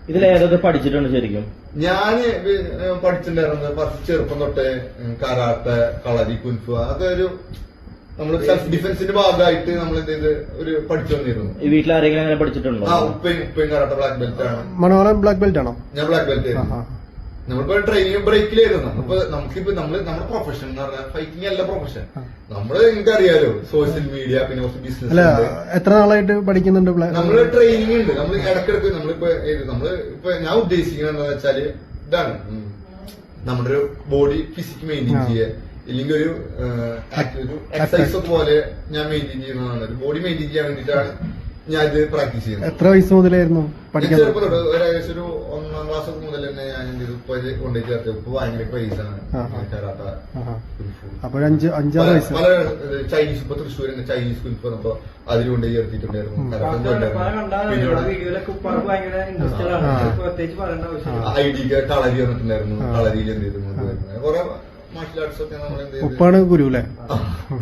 ഇതിലേതൊക്കെ പഠിച്ചിട്ടുണ്ട് ശരിക്കും? ഞാന് പഠിച്ചിട്ടുണ്ടായിരുന്നത് ഫസ്റ്റ് ചെറുപ്പം തൊട്ടേ കരാട്ടെ, കളരി, കുൻഫു. അതൊക്കെ ഒരു നമ്മള് സെൽഫ് ഡിഫൻസിന്റെ ഭാഗമായിട്ട് നമ്മൾ എന്ത് ചെയ്ത് ഒരു പഠിച്ചു വന്നിരുന്നു. ഈ വീട്ടിൽ ആരെങ്കിലും അങ്ങനെ പഠിച്ചിട്ടുണ്ടോ? ഉപ്പയും കരാട്ടെ ബ്ലാക്ക് ബെൽറ്റ് ആണ്. മനോഹരൻ ബ്ലാക്ക് ബെൽറ്റ് ആണോ? ഞാൻ ബ്ലാക്ക് ബെൽറ്റ് ആയിരുന്നു. നമ്മളിപ്പോ ട്രെയിനിങ് ബ്രേക്കിലായിരുന്നു. നമുക്കിപ്പോ നമ്മുടെ പ്രൊഫഷൻ എന്ന് പറഞ്ഞാൽ ഫൈറ്റിംഗ് അല്ല പ്രൊഫഷൻ. നമ്മള് എനിക്കറിയാലോ സോഷ്യൽ മീഡിയ, പിന്നെ കുറച്ച് ബിസിനസ്. എത്ര നാളായിട്ട് പഠിക്കുന്നുണ്ട്? നമ്മള് ട്രെയിനിങ് ഉണ്ട്. നമ്മൾ ഇടക്കിടക്ക് നമ്മളിപ്പോ ഞാൻ ഉദ്ദേശിക്കുന്നത് എന്താ വെച്ചാല് ഇതാണ്, നമ്മുടെ ഒരു ബോഡി ഫിസിക് മെയിൻറ്റെയിൻ ചെയ്യുക, ഇല്ലെങ്കിൽ ഒരു എക്സസൈസ് ഒക്കെ പോലെ ഞാൻ മെയിൻറ്റെയിൻ ചെയ്യുന്നതാണ്. ഒരു ബോഡി മെയിൻറ്റെയിൻ ചെയ്യാൻ വേണ്ടിയിട്ടാണ് ഞാൻ ഇത് പ്രാക്ടീസ് ചെയ്യുന്നത്. എത്ര വയസ്സ് മുതലായിരുന്നു പഠിക്കാൻ? ചെറുപ്പം തൊട്ട് ഏകദേശം ഒരു 1ാം ക്ലാസ് മുതൽ തന്നെ ഞാൻ ഇപ്പൊ കൊണ്ടുപോയി ചേർത്ത്. ഇപ്പൊ ഭയങ്കര ക്രൈസ് ആണ് കരാട്ട, അപ്പൊ 5-6 വയസ്സ്. പല ചൈനീസ്, ഇപ്പൊ തൃശ്ശൂരിന്റെ ചൈനീസ് കുൽഫ് വന്നപ്പോ അതിൽ കൊണ്ടുപോയി ചേർത്തിട്ടുണ്ടായിരുന്നു. ഐഡിക്ക് കളരി വന്നിട്ടുണ്ടായിരുന്നു. കളരിയിൽ എന്ത് ചെയ്തു കുറെ മാർഷൽ ആർട്സ് ഒക്കെ നമ്മൾ എന്ത് ചെയ്തു. ഉപ്പാണ് ഗുരു അല്ലേ?